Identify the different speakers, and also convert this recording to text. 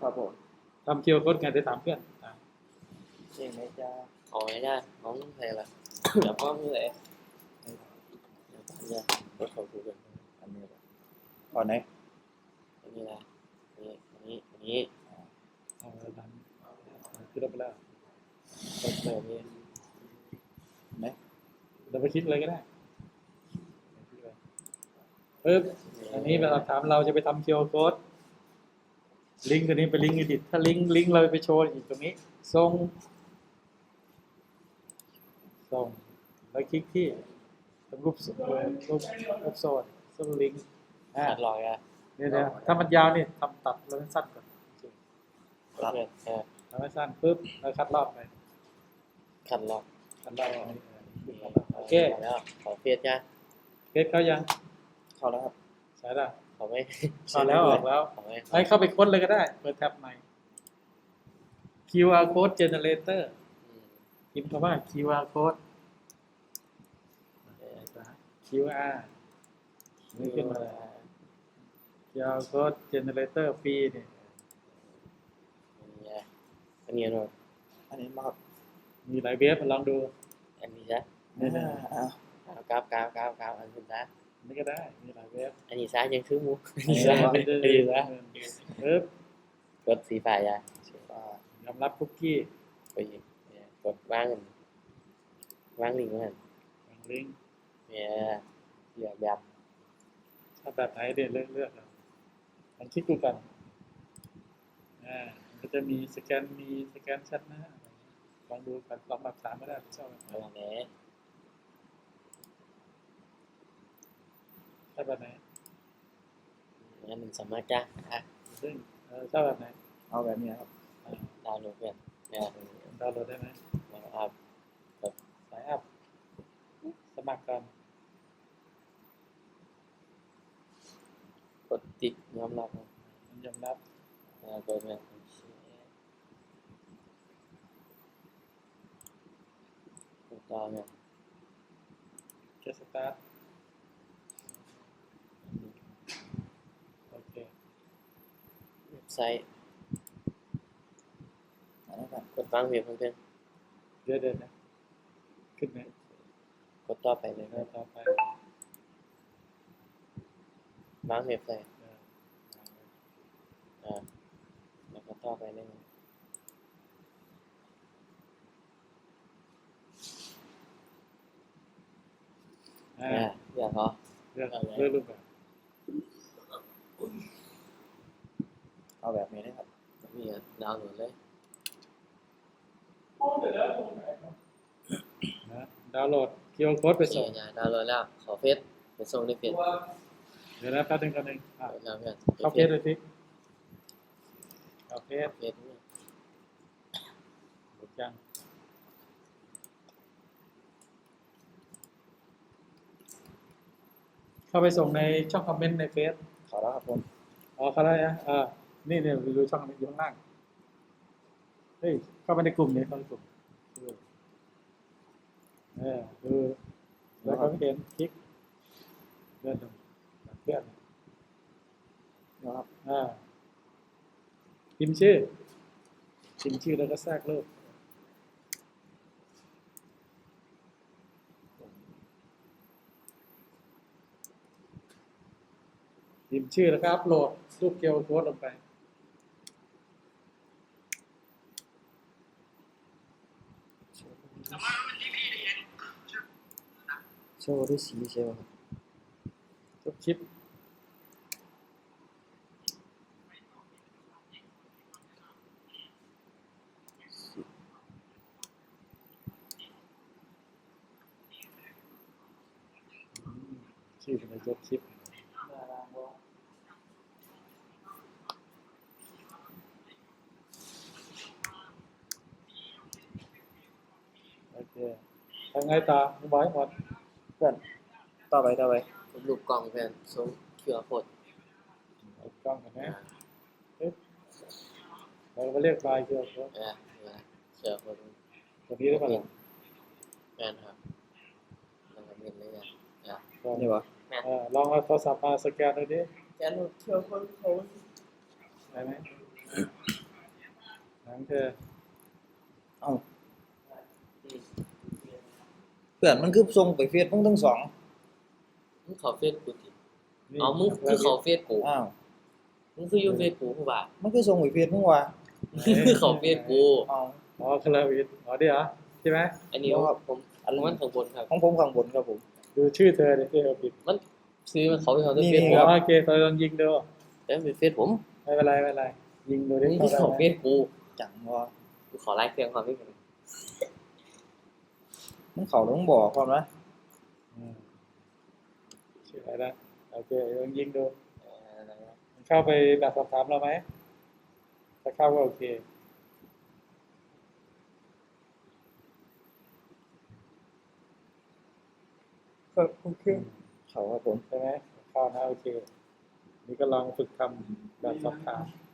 Speaker 1: ครับผม
Speaker 2: ทำ QR code ไงเดี๋ยวถามเพื่อน
Speaker 1: เองไหมจ้า
Speaker 3: hỏi ra món này là dạ có như vậy nha có khẩu thủ được
Speaker 1: อันนี้ก่อนไหน
Speaker 3: như làนี้
Speaker 2: เอาแล้วนั้นคิดไปแล้ว
Speaker 3: แบบนี้
Speaker 1: ไหม
Speaker 2: เราไปคิดเลยก็ได้ปึ๊บอันนี้เราถามเราจะไปทำ QR code ลิงก์ตัวนี้เป็นลิงก์อีดิทถ้าลิงก์เราไปโชว์อีกตรงนี้ส่งแล้วคลิกที่รูปโซนลิงก์
Speaker 3: ขัดลอยอ่ะ
Speaker 2: เนี่ยถ้ามันยาวนี่ทำตัดแล้วสั้นก่อน ทำให้สั้นปุ๊บแล้วคัดรอบไป
Speaker 3: ขัดลอย
Speaker 2: คัดรอบโอเค
Speaker 3: แล้วขอเฟียดจ้ะ
Speaker 2: เกตเขายัง
Speaker 1: เข้าแล้วครับ
Speaker 2: ใช่ละ
Speaker 3: ขอไม่
Speaker 2: เข้าแล้วออกแล้ว
Speaker 3: ขอไม่
Speaker 2: ให้เข้าไปค้นเลยก็ได้เปิดแท็บใหม่ QR code generator พิมพ์คำว่า QR code QR นี่ขึ้นมาเลย QR code generator ฟรีเนี่ย
Speaker 3: อันนี้หน่อย
Speaker 1: อันนี้มาครับ
Speaker 2: มีหลายเว็บลองดู
Speaker 3: อันนี้จ้ะ
Speaker 2: นี่นะ
Speaker 3: ก้าวอันนี้จ้ะ
Speaker 2: นี่ก็ได้มีหลายเว็บ
Speaker 3: อันนี้ซ้ายยังซื้อมูอันนี้ซ้ายอันนี้ซ้าย
Speaker 2: ปึ๊บ
Speaker 3: กดสีฟ้าจ้ะ
Speaker 2: ยอมรับคุกกี้
Speaker 3: ไปกดวางลิงก์มัน
Speaker 2: ลิงก์
Speaker 3: เนี่ยเลือกแบบ
Speaker 2: ถ้าแบบไหนเดี๋ยวเลือกเอาลองคลิกดูกันมันก็จะมีสแกนชัดหน้าลองดูกันลองแบบถามก็ได้ชอบแบบไหน
Speaker 3: อะไรเนี่ย
Speaker 2: ชอบแบบไหน
Speaker 3: งั้นมันสามารถจ้ะอ่ะ
Speaker 2: ซึ่งชอบแบบไหน
Speaker 1: เอาแบบนี้ครับ
Speaker 3: ดาวน์โหลดเนี่ยเนี่ย
Speaker 2: ดาวน์โหลดได้ไหม
Speaker 3: นะครับ
Speaker 2: สายอัพสมัครกัน
Speaker 3: กดติดยอมรับ
Speaker 2: ยอมรับ
Speaker 3: กดเนี่ยกดต่อเนี่ย
Speaker 2: เกสตาร์ทโอเค
Speaker 3: เว็บไซต์
Speaker 1: อันนี้ครับ
Speaker 3: กดวางเว็บเพื่อน
Speaker 2: เดี๋ยวนะขึ้นไหม
Speaker 3: กดต่อไปเลยครับ
Speaker 2: ต่อไป
Speaker 3: วางเว็บไซต์แล้วก็ต่อไปเลย อยากเหรอ
Speaker 2: เลือกรูปแบบ
Speaker 1: เอาแบบนี้นะครับ
Speaker 3: นี่ดาวน์โหลดเลย
Speaker 2: ดาวน์โหลด QR code ไปส่ง
Speaker 3: ดาวน์โหลดแล้วขอเฟซไปส่งในเฟซ
Speaker 2: เดี๋ยวนะแป๊บนึงกันเอง
Speaker 3: แล้วเพื่อน
Speaker 2: เข้าเพจเลยสิเข้าเพจ
Speaker 3: เฟซนี่
Speaker 2: หมดยังเข้าไปส่งในช่องคอมเมนต์ในเฟซ
Speaker 1: เข้าแล้วครับผม
Speaker 2: เข้าได้นะนี่เนี่ยดูช่องนี้อยู่ข้างล่างเฮ้ยเข้าไปในกลุ่มนี้เข้าในกลุ่มดูแล้วก็เห็นคลิกเลื่อนลงเลื่อน
Speaker 1: นะครับ
Speaker 2: พิมพ์ชื่อแล้วก็แทรกรูปพิมพ์ชื่อแล้วก็อัพโหลดรูป QR code ลงไป
Speaker 1: โชว์ด้วยสีใช่ไหมครับ
Speaker 2: ทุกคลิปชื่อเป็นยกคลิปโอเคทำไงต่อมึงบอกให้หมด
Speaker 1: เพื่อนต่อไป
Speaker 3: รูปกล้องเพื่อนส่ง QR code
Speaker 2: เอากล้องกันนะเราก็เรียกไฟล์ QR code
Speaker 3: เชื่อคน
Speaker 2: ตัวนี้ได้ป่ะล่ะ
Speaker 3: แม่นครับแล้วก็เงินเลยนะ
Speaker 1: นี่วะ
Speaker 2: ลองเอาโทรศัพท์มาสแกนดูดิ
Speaker 3: แกนเชื่อคนเขา
Speaker 2: ได้ไหมของเธอ
Speaker 1: เอ้าเพื่อนมันคือส่งไปเฟซมึงทั้งสอง
Speaker 3: มึงเขาเฟซกูติเอามึงคือเขาเฟซกู
Speaker 1: อ้าว
Speaker 3: มึงคืออยู่เฟซกูผู้บ่า
Speaker 1: มันคือส่งไปเฟซมึงวะ
Speaker 3: มึงคือเขาเฟซกู
Speaker 1: อ้าว
Speaker 2: อ๋อคาราวิทอ๋อเดี๋ยวใช่ไหม
Speaker 3: อันนี้
Speaker 1: ครับ
Speaker 3: ผมอันนั้นข้างบนครับ
Speaker 1: ของผมข้างบนครับผม
Speaker 2: ดูชื่อเธอเนี่ยที่เราผิด
Speaker 3: มันซื้อมันเขาไปเขา
Speaker 1: นี่
Speaker 3: เฟซ
Speaker 1: นี่
Speaker 3: ผม
Speaker 1: ครับ
Speaker 2: โอเคเราลองยิงดู
Speaker 3: แต่มันเป็นเฟซผม
Speaker 2: ไม่เป็นไรไม่เป็นไรยิงดูดิ
Speaker 3: มึงคือเขาเฟซกู
Speaker 1: จังวะ
Speaker 3: กูขอไลค์เครื่องความคิดเห็น
Speaker 1: มึงเขาต้องบอกความนะ
Speaker 2: อืมชื่ออะไรนะโอเคลองยิงดูมันเข้าไปแบบสอบถามเราไหมถ้าเข้าก็โอเค
Speaker 1: ก็โอเคเขาครับผม
Speaker 2: ใช่ไหมเข้านะโอเค นี่ก็ลองฝึกทำแบบสอบถาม